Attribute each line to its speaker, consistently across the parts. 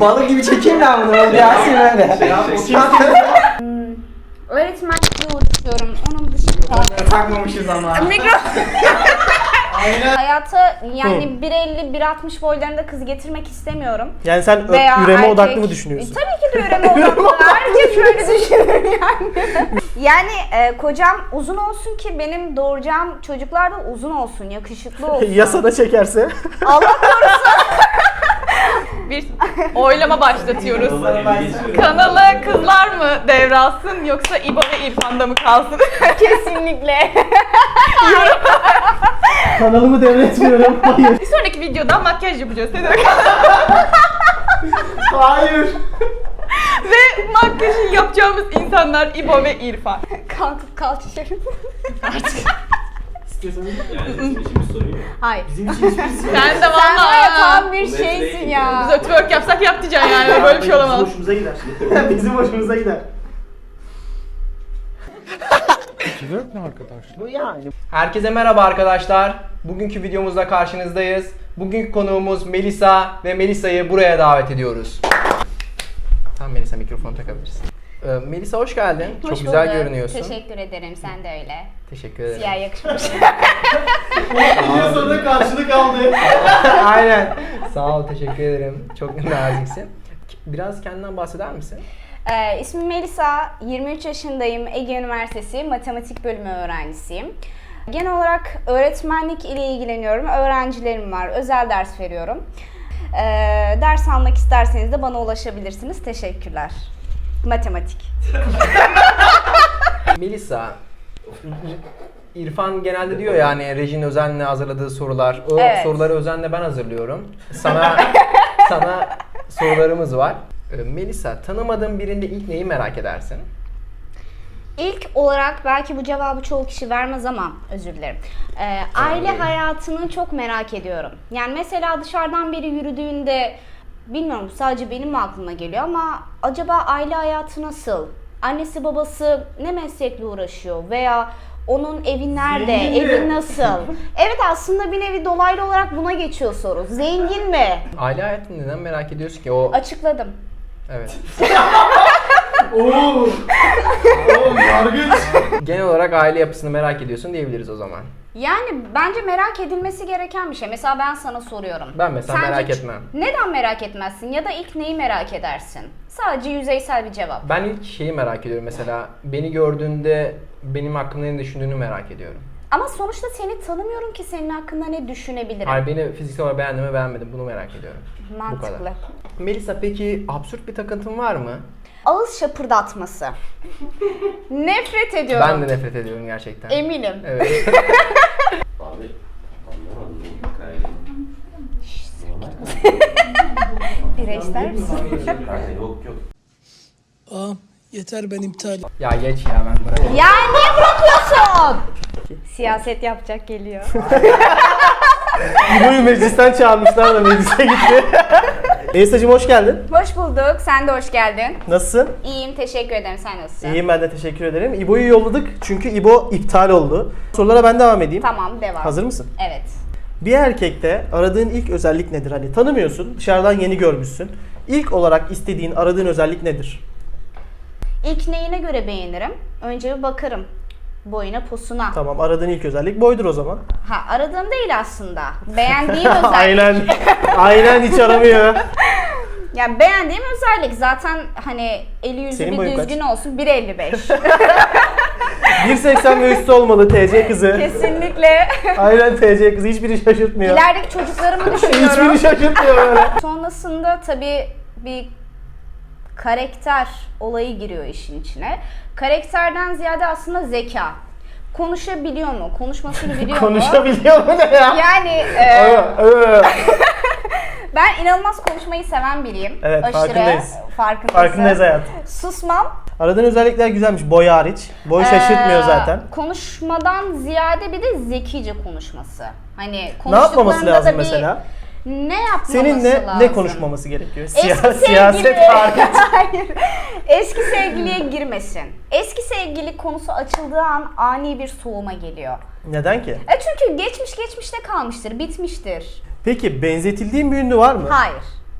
Speaker 1: Balık gibi çekeyim ben bunu. Yasin öyle.
Speaker 2: Öğretmenlikle uğraşıyorum. Onun dışında
Speaker 1: Takmamışız ama.
Speaker 2: hayata yani 1.50-1.60 boylarında kız getirmek istemiyorum.
Speaker 3: Yani sen
Speaker 2: Veya
Speaker 3: üreme
Speaker 2: erkek-
Speaker 3: odaklı mı düşünüyorsun?
Speaker 2: Tabii ki de üreme odaklı. Herkes şöyle düşünür yani. Yani kocam uzun olsun ki benim doğuracağım çocuklar da uzun olsun, yakışıklı olsun.
Speaker 3: Yasada çekerse.
Speaker 2: Allah korusun.
Speaker 4: Bir oylama başlatıyoruz. Kanalı kızlar mı devralsın yoksa İbo ve İrfan'da mı kalsın?
Speaker 2: Kesinlikle.
Speaker 3: Kanalımı devretmiyorum. Hayır.
Speaker 4: Bir sonraki videoda makyaj yapacağız. Ne demek?
Speaker 3: Hayır.
Speaker 4: Ve makyajı yapacağımız insanlar İbo ve İrfan.
Speaker 2: Kalkıp kalçışırım.
Speaker 3: İstiyorsanız.
Speaker 5: Yani bizim için bir sorun yok.
Speaker 2: Hayır.
Speaker 3: Bizim için hiçbir
Speaker 4: Sen de
Speaker 2: Sen var ya
Speaker 4: valla.
Speaker 2: tam bir şeysin ya.
Speaker 4: Biz twerk yapsak yap diyeceksin yani. Böyle bir şey olamaz.
Speaker 3: Bizim hoşumuza gider. Bizim hoşumuza gider. Bu yani.
Speaker 1: Herkese merhaba arkadaşlar. Bugünkü videomuzda karşınızdayız. Bugünkü konuğumuz Melisa ve Melisa'yı buraya davet ediyoruz. Tamam Melisa, mikrofonu takabilirsin. Melisa hoş geldin.
Speaker 2: Hoş
Speaker 1: Çok güzel
Speaker 2: bulduk.
Speaker 1: görünüyorsun.
Speaker 2: Teşekkür ederim. Sen de öyle.
Speaker 1: Teşekkür ederim.
Speaker 2: Siyah yakışmış.
Speaker 3: Video sonunda karşılık aldı.
Speaker 1: Aynen. Sağ ol, teşekkür ederim. Çok naziksin. Biraz kendinden bahseder misin?
Speaker 2: İsmim Melisa. 23 yaşındayım. Ege Üniversitesi Matematik Bölümü öğrencisiyim. Genel olarak öğretmenlik ile ilgileniyorum. Öğrencilerim var. Özel ders veriyorum. Ders almak isterseniz de bana ulaşabilirsiniz. Teşekkürler. Matematik.
Speaker 1: Melisa, İrfan genelde diyor yani rejinin özenle hazırladığı sorular. O
Speaker 2: Evet.
Speaker 1: soruları özenle ben hazırlıyorum. Sana sorularımız var. Melisa, tanımadığın birinde ilk neyi merak edersin?
Speaker 2: İlk olarak belki bu cevabı çoğu kişi vermez ama özür dilerim. Aile hayatını çok merak ediyorum. Yani mesela dışarıdan biri yürüdüğünde bilmiyorum sadece benim mi aklıma geliyor ama acaba aile hayatı nasıl? Annesi babası ne meslekle uğraşıyor veya onun evi nerede?
Speaker 3: Zengin mi?
Speaker 2: Evi nasıl? Evet aslında bir nevi dolaylı olarak buna geçiyor soru. Zengin mi?
Speaker 1: Aile hayatını neden merak ediyorsun ki? O
Speaker 2: Açıkladım.
Speaker 1: evet.
Speaker 3: Oo. Oğlum yargıç.
Speaker 1: Genel olarak aile yapısını merak ediyorsun diyebiliriz o zaman.
Speaker 2: Yani bence merak edilmesi gereken bir şey. Mesela ben sana soruyorum.
Speaker 1: Ben mesela
Speaker 2: Sence
Speaker 1: merak etmem.
Speaker 2: Neden merak etmezsin? Ya da ilk neyi merak edersin? Sadece yüzeysel bir cevap.
Speaker 1: Ben ilk şeyi merak ediyorum mesela. Beni gördüğünde benim hakkımda ne düşündüğünü merak ediyorum.
Speaker 2: Ama sonuçta seni tanımıyorum ki senin hakkında ne düşünebilirim.
Speaker 1: Hayır, beni fiziksel olarak beğendim mi beğenmedim, bunu merak ediyorum. Bu
Speaker 2: Mantıklı.
Speaker 1: kadar. Melisa, peki absürt bir takıntın var mı?
Speaker 2: Ağız şapırdatması. Nefret ediyorum.
Speaker 1: Ben de nefret ediyorum gerçekten.
Speaker 2: Eminim.
Speaker 1: Evet.
Speaker 5: Abi anlamadım. Kanka
Speaker 2: Bira ister misin?
Speaker 5: yok yok.
Speaker 6: Ağam yeter ben iptal.
Speaker 1: Ya geç ya, ben bırakayım.
Speaker 2: Ya niye bırakıyorsun? Siyaset yapacak geliyor.
Speaker 3: İbo'yu meclisten çağırmışlar da meclise gitti. Melisa'cığım hoş geldin.
Speaker 2: Hoş bulduk. Sen de hoş geldin.
Speaker 3: Nasılsın?
Speaker 2: İyiyim. Teşekkür ederim. Sen nasılsın?
Speaker 3: İyiyim, ben de teşekkür ederim. İbo'yu yolladık çünkü İbo iptal oldu. Sorulara ben devam edeyim.
Speaker 2: Tamam. Devam.
Speaker 3: Hazır mısın?
Speaker 2: Evet.
Speaker 3: Bir erkekte aradığın ilk özellik nedir? Hani tanımıyorsun, dışarıdan yeni görmüşsün. İlk olarak istediğin, aradığın özellik nedir?
Speaker 2: İlk neyine göre beğenirim? Önce bir bakarım. Boyuna, posuna.
Speaker 3: Tamam, aradığın ilk özellik boydur o zaman.
Speaker 2: Ha, aradığım değil aslında. Beğendiğim özellik.
Speaker 3: Aynen. Aynen, hiç aramıyor.
Speaker 2: Yani beğendiğim özellik zaten hani eli yüzü
Speaker 3: Senin
Speaker 2: bir
Speaker 3: boyun kaç?
Speaker 2: düzgün olsun 1.55.
Speaker 3: 1.80 ve üstü olmalı TC kızı.
Speaker 2: Kesinlikle.
Speaker 3: Aynen, TC kızı, hiçbiri şaşırtmıyor.
Speaker 2: İlerideki çocuklarımı düşünüyorum.
Speaker 3: Hiçbiri şaşırtmıyor böyle.
Speaker 2: Sonrasında tabii bir karakter olayı giriyor işin içine. Karakterden ziyade aslında zeka. Konuşabiliyor mu? Konuşmasını biliyor mu?
Speaker 3: Konuşabiliyor mu ne ya?
Speaker 2: Yani
Speaker 3: Ö.
Speaker 2: ben inanılmaz konuşmayı seven biriyim.
Speaker 3: Evet, farkındayız.
Speaker 2: Farkındayız.
Speaker 3: Farkındayız hayat.
Speaker 2: Susmam.
Speaker 3: Aradığın özellikler güzelmiş, boy hariç. Boy şaşırtmıyor zaten.
Speaker 2: Konuşmadan ziyade bir de zekice konuşması. Hani
Speaker 3: Ne yapmaması
Speaker 2: konuştuklarında
Speaker 3: lazım
Speaker 2: da bir-
Speaker 3: mesela?
Speaker 2: Ne yapmaması
Speaker 3: Seninle
Speaker 2: lazım?
Speaker 3: ne konuşmaması gerekiyor?
Speaker 2: Eski
Speaker 3: Siyaset
Speaker 2: sevgili-
Speaker 3: hariç.
Speaker 2: Hayır. Eski sevgiliye girmesin. Eski sevgili konusu açıldığı an ani bir soğuma geliyor.
Speaker 3: Neden ki?
Speaker 2: Çünkü geçmişte kalmıştır, bitmiştir.
Speaker 3: Peki benzetildiğin bir ünlü var mı?
Speaker 2: Hayır.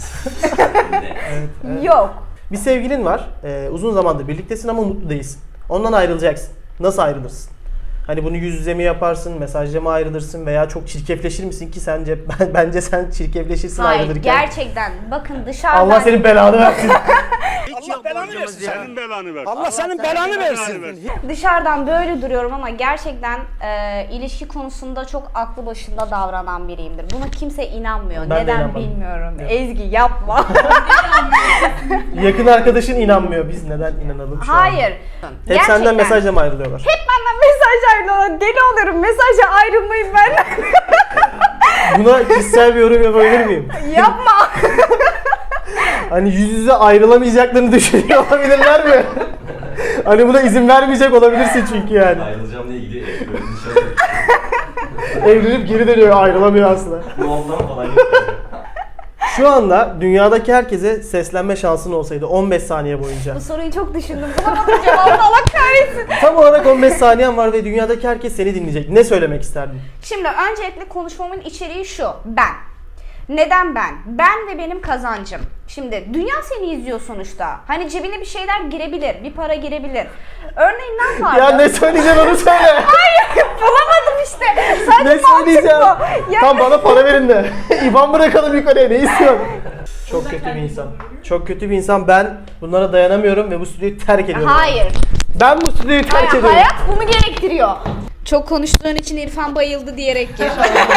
Speaker 2: Yok.
Speaker 3: Bir sevgilin var. Uzun zamandır birliktesin ama mutlu değilsin. Ondan ayrılacaksın. Nasıl ayrılırsın? Hani bunu yüz yüze mi yaparsın, mesajla mı ayrılırsın veya çok çirkefleşir misin ki sence bence sen çirkefleşirsin
Speaker 2: Hayır,
Speaker 3: ayrılırken.
Speaker 2: gerçekten. Bakın dışarıdan...
Speaker 3: Allah senin belanı versin.
Speaker 7: Allah belanı versin. Senin belanı versin.
Speaker 6: Allah senin belanı versin.
Speaker 2: Dışarıdan böyle duruyorum ama gerçekten ilişki konusunda çok aklı başında davranan biriyimdir. Buna kimse inanmıyor.
Speaker 3: Ben de
Speaker 2: Neden
Speaker 3: inanmadım.
Speaker 2: bilmiyorum.
Speaker 3: Evet.
Speaker 2: Ezgi yapma.
Speaker 3: Yakın arkadaşın inanmıyor. Biz neden inanalım şu an?
Speaker 2: Hayır.
Speaker 3: Hep senden mesajla mı ayrılıyorlar?
Speaker 2: Hep benden mesaj ayrılıyorlar. Deli oluyorum. Mesajla ayrılmayın ben.
Speaker 3: Buna kişisel bir yorum yapabilir miyim?
Speaker 2: Yapma.
Speaker 3: Hani yüz yüze ayrılamayacaklarını düşünüyor olabilirler mi? Hani buna izin vermeyecek olabilirsin çünkü yani.
Speaker 5: Ayrılacağım diye gidiyor. Böyle nişan
Speaker 3: Evlenip geri dönüyor, ayrılamıyor aslında.
Speaker 5: Bu ondan falan yapıyor.
Speaker 3: Şu anda dünyadaki herkese seslenme şansın olsaydı 15 saniye boyunca.
Speaker 2: Bu soruyu çok düşündüm. Bulamadım cevabını. Allah kahretsin.
Speaker 3: Tam olarak 15 saniyen var ve dünyadaki herkes seni dinleyecek. Ne söylemek isterdin?
Speaker 2: Şimdi öncelikle konuşmamın içeriği şu. Ben. Neden ben? Ben ve benim kazancım. Şimdi dünya seni izliyor sonuçta. Hani cebine bir şeyler girebilir, bir para girebilir. Örneğin ne yapardım?
Speaker 3: Ya ne söyleyeceksin onu söyle.
Speaker 2: Hayır, bulamadım işte. Sadece
Speaker 3: Ne söyleyeceğim?
Speaker 2: mantık bu. Ya
Speaker 3: Tam bana para verin de. İban bırakalım yukarıya, ne istiyorsun? Çok kötü bir insan. Çok kötü bir insan. Ben bunlara dayanamıyorum ve bu stüdyoyu terk ediyorum.
Speaker 2: hayır.
Speaker 3: Ben bu stüdyoyu terk ediyorum.
Speaker 2: Hayat bunu gerektiriyor. Çok konuştuğun için İrfan bayıldı diyerek gir.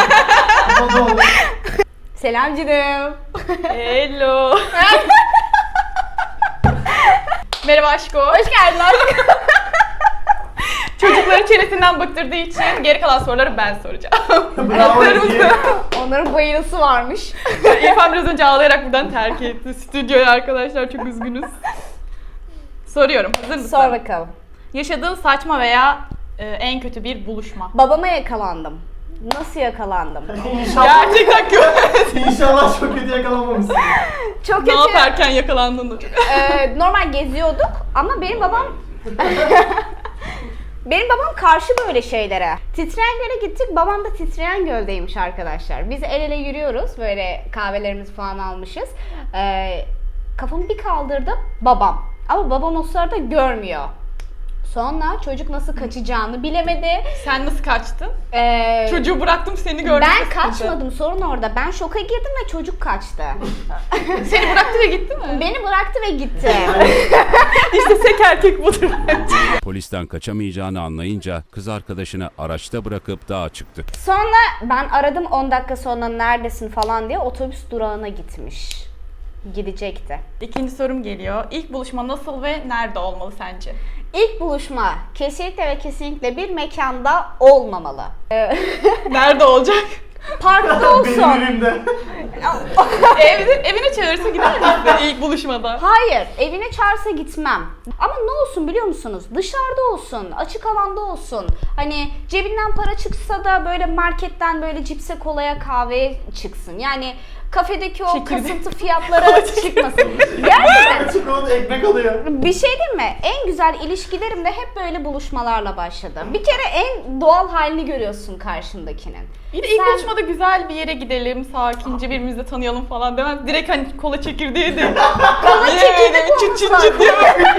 Speaker 2: Selam canım.
Speaker 4: Hello. Merhaba aşko.
Speaker 2: Hoş geldin aşkım.
Speaker 4: Çocukların çenesinden bıktırdığı için geri kalan soruları ben soracağım.
Speaker 3: Bravo Ezgi.
Speaker 2: Onların bayılısı varmış.
Speaker 4: İrfan biraz önce ağlayarak buradan terk etti stüdyoyu arkadaşlar. Çok üzgünüz. Soruyorum. Hazır mısın?
Speaker 2: Sor bakalım.
Speaker 4: Yaşadığın saçma veya en kötü bir buluşma.
Speaker 2: Babama yakalandım. Nasıl yakalandım?
Speaker 3: İnşallah,
Speaker 4: Gerçekten kötü.
Speaker 3: inşallah çok kötü yakalanmamışsın.
Speaker 2: Çok
Speaker 4: Ne
Speaker 2: kötü.
Speaker 4: yaparken yakalandın da.
Speaker 2: Normal geziyorduk ama benim babam karşı böyle şeylere. Titreyen göle gittik. Babam da titreyen göldeymiş arkadaşlar. Biz el ele yürüyoruz. Böyle kahvelerimizi falan almışız. Kafamı bir kaldırdım. Babam. Ama babam o sırada görmüyor. Sonra çocuk nasıl kaçacağını bilemedi.
Speaker 4: Sen nasıl kaçtın?
Speaker 2: Ee,
Speaker 4: Çocuğu bıraktım seni gördüm.
Speaker 2: ben kaçmadım. Sorun orada. Ben şoka girdim ve çocuk kaçtı.
Speaker 4: Seni bıraktı ve gitti mi?
Speaker 2: Beni bıraktı ve gitti.
Speaker 4: İşte sek erkek budur.
Speaker 8: Polisten kaçamayacağını anlayınca kız arkadaşını araçta bırakıp dağa çıktı.
Speaker 2: Sonra ben aradım 10 dakika sonra neredesin falan diye, otobüs durağına gitmiş. Gidecekti.
Speaker 4: İkinci sorum geliyor. İlk buluşma nasıl ve nerede olmalı sence?
Speaker 2: İlk buluşma kesinlikle ve kesinlikle bir mekanda olmamalı.
Speaker 4: Nerede olacak?
Speaker 2: Parkta
Speaker 3: Benim
Speaker 2: olsun.
Speaker 3: evimde.
Speaker 4: Evine çağırırsa gider misin ilk buluşmada?
Speaker 2: Hayır, evine çağırsa gitmem. Ama ne olsun biliyor musunuz? Dışarıda olsun, açık alanda olsun. Hani cebinden para çıksa da böyle marketten böyle cipse, kolaya, kahveye çıksın. Yani kafedeki o
Speaker 4: Çekirdek.
Speaker 2: kasıntı fiyatlara çıkmasın. Gerçekten.
Speaker 3: Çikolata ekmek alıyor.
Speaker 2: Bir şey diyeyim mi? En güzel ilişkilerim de hep böyle buluşmalarla başladı. Bir kere en doğal halini görüyorsun karşındakinin.
Speaker 4: Bir de ilk
Speaker 2: Sen-
Speaker 4: buluşmada güzel bir yere gidelim, sakince birbirimizi de tanıyalım falan demez. Direkt hani kola çekirdeği de.
Speaker 2: Kola çekirdek
Speaker 4: çıt çıt
Speaker 2: olmuşlar.
Speaker 4: çıt diye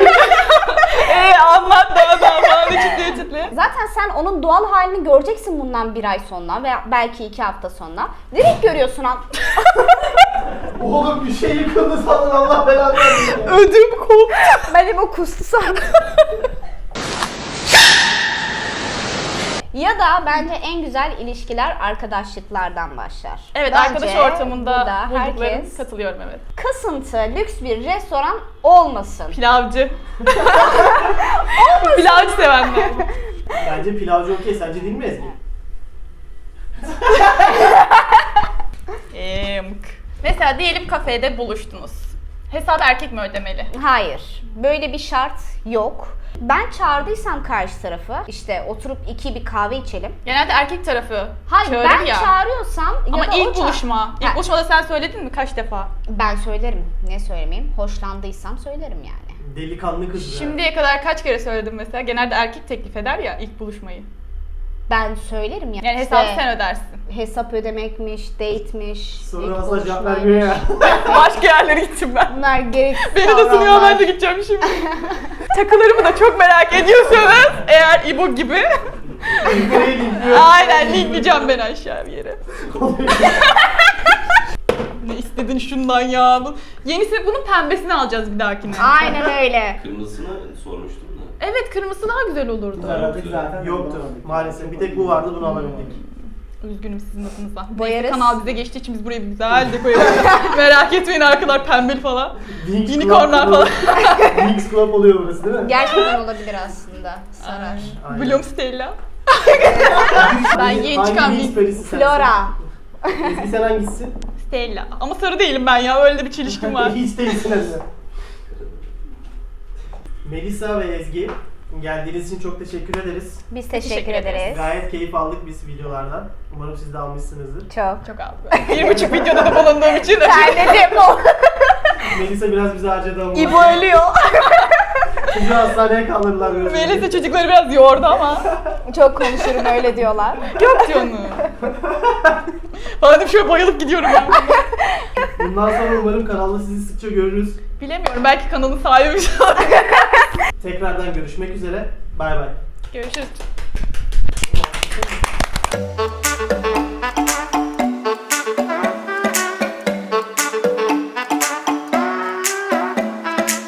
Speaker 4: anlat daha falan çıtlıyor çıtlıyor.
Speaker 2: Zaten sen onun doğal halini göreceksin bundan bir ay sonra veya belki 2 hafta sonra. Direkt görüyorsun an.
Speaker 3: Oğlum bir şey yıkıldı sandın, Allah belanı versin.
Speaker 4: Ödüm koptu.
Speaker 2: Benim o kustu sandım. Ya da bence en güzel ilişkiler arkadaşlıklardan başlar.
Speaker 4: Evet,
Speaker 2: Bence
Speaker 4: arkadaş ortamında
Speaker 2: burada
Speaker 4: bulduklarım,
Speaker 2: herkes
Speaker 4: katılıyorum evet.
Speaker 2: kasıntı, lüks bir restoran olmasın.
Speaker 4: Pilavcı. Pilavcı sevenler.
Speaker 3: Bence pilavcı okey, sence değil mi Ezgi?
Speaker 4: Mesela diyelim kafede buluştunuz. Hesap erkek mi ödemeli?
Speaker 2: Hayır. Böyle bir şart yok. Ben çağırdıysam karşı tarafı, işte oturup bir kahve içelim.
Speaker 4: Genelde erkek tarafı
Speaker 2: Hayır,
Speaker 4: çağırır
Speaker 2: ben
Speaker 4: ya.
Speaker 2: çağırıyorsam
Speaker 4: Ama
Speaker 2: ya da
Speaker 4: ilk
Speaker 2: o
Speaker 4: buluşma. İlk
Speaker 2: Ha.
Speaker 4: buluşmada sen söyledin mi kaç defa?
Speaker 2: Ben söylerim. Ne söylemeyeyim? Hoşlandıysam söylerim yani.
Speaker 3: Delikanlı kız ya.
Speaker 4: Şimdiye kadar kaç kere söyledim mesela? Genelde erkek teklif eder ya ilk buluşmayı.
Speaker 2: Ben söylerim ya.
Speaker 4: Yani
Speaker 2: İşte
Speaker 4: hesabı sen ödersin.
Speaker 2: hesap ödemekmiş, date'miş,
Speaker 3: Sonra
Speaker 2: ilk
Speaker 3: asla cevap
Speaker 2: buluşmaymış.
Speaker 3: vermiyor ya.
Speaker 4: Başka yerlere gittim ben.
Speaker 2: Bunlar gereksiz
Speaker 4: Beni de sunuyor, ben
Speaker 2: kavramlar.
Speaker 4: de gideceğim şimdi. Takılarımı da çok merak ediyorsanız eğer İbo gibi
Speaker 3: Buraya linkliyor.
Speaker 4: aynen linkleyeceğim ben aşağı bir yere. Ne istedin şundan ya? Yenisi, bunun pembesini alacağız bir dahakine.
Speaker 2: Aynen öyle.
Speaker 5: Kırmızısını sormuştum da.
Speaker 4: Evet, kırmızısı daha güzel olurdu.
Speaker 3: Yoktu maalesef. Bir tek bu vardı, bunu alabildik.
Speaker 4: Üzgünüm sizin adınıza.
Speaker 2: Boyarız.
Speaker 4: Neyse, kanal bize geçtiği için biz burayı güzel dekoyalım. Merak etmeyin arkalar pembeli falan.
Speaker 3: Wings
Speaker 4: Unicornlar
Speaker 3: Club
Speaker 4: falan.
Speaker 3: Wings Club oluyor burası değil mi?
Speaker 2: Gerçekten olabilir aslında. Sarar.
Speaker 3: Aynen.
Speaker 4: Bloom Stella. Ben yeni
Speaker 3: Hangi
Speaker 4: çıkan
Speaker 3: Wings
Speaker 4: bir
Speaker 3: perisi sensin?
Speaker 2: Flora.
Speaker 3: Ezgi sen hangisisin?
Speaker 4: Stella. Ama sarı değilim ben ya, öyle de bir çelişkim var.
Speaker 3: Hiç değilsin hadi. Melisa ve Ezgi, geldiğiniz için çok teşekkür ederiz.
Speaker 2: Biz teşekkür
Speaker 4: Teşekkür ederiz.
Speaker 2: ederiz.
Speaker 3: Gayet keyif aldık biz videolardan. Umarım siz de almışsınızdır.
Speaker 2: Çok.
Speaker 4: Çok az. 1,5 videoda da bulunduğum için.
Speaker 2: Terledim o.
Speaker 3: Melisa biraz bizi harcadı ama.
Speaker 2: İbo ölüyor.
Speaker 3: Çocuğu hastaneye kaldırdılar biraz.
Speaker 4: Melisa çocukları biraz yordu ama.
Speaker 2: Çok konuşurum öyle diyorlar.
Speaker 4: Yok canım. Bana şöyle bayılıp gidiyorum ben.
Speaker 3: Bundan sonra umarım kanalda sizi sıkça görürüz.
Speaker 4: Bilemiyorum, belki kanalın sahibi bir şey olur.
Speaker 3: Tekrardan görüşmek üzere. Bay bay.
Speaker 4: Görüşürüz.